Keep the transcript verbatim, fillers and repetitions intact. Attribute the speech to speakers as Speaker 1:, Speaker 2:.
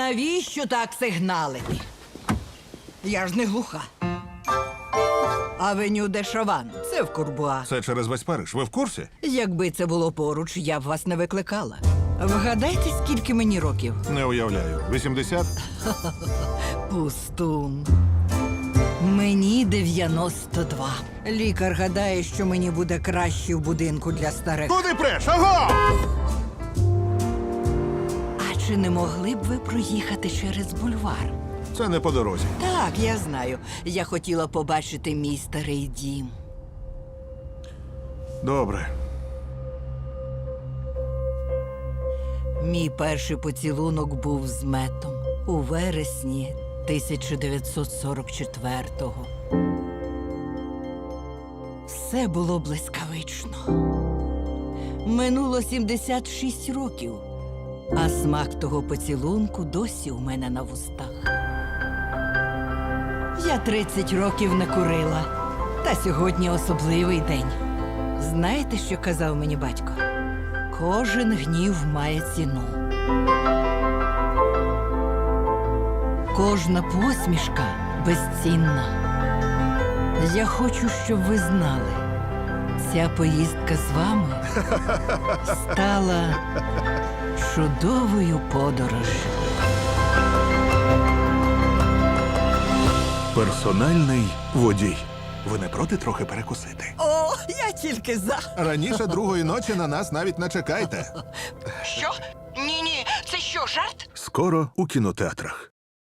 Speaker 1: Навіщо так сигналити? Я ж не глуха. Авеню де Шован. Це в Курбуа.
Speaker 2: Це через весь Париж. Ви в курсі?
Speaker 1: Якби це було поруч, я б вас не викликала. Вгадайте, скільки мені років?
Speaker 2: Не уявляю. вісімдесят?
Speaker 1: Пустун. Мені дев'яносто два. Лікар гадає, що мені буде краще в будинку для старих.
Speaker 2: Куди преш? Аго!
Speaker 1: А чи не могли б ви проїхати через бульвар?
Speaker 2: Це не по дорозі.
Speaker 1: Так, я знаю. Я хотіла побачити мій старий дім.
Speaker 2: Добре.
Speaker 1: Мій перший поцілунок був з Метом у вересні тисяча дев'ятсот сорок четвертого. Все було блискавично. Минуло сімдесят шість років, а смак того поцілунку досі у мене на вустах. Я тридцять років не курила, та сьогодні особливий день. Знаєте, що казав мені батько? Кожен гнів має ціну. Кожна посмішка безцінна. Я хочу, щоб ви знали, ця поїздка з вами стала чудовою подорожжю.
Speaker 2: Персональний водій. Ви не проти трохи перекусити?
Speaker 1: О, я тільки за.
Speaker 2: Раніше другої ночі на нас навіть не чекайте.
Speaker 1: Що? Ні-ні, це що, жарт?
Speaker 2: Скоро у кінотеатрах.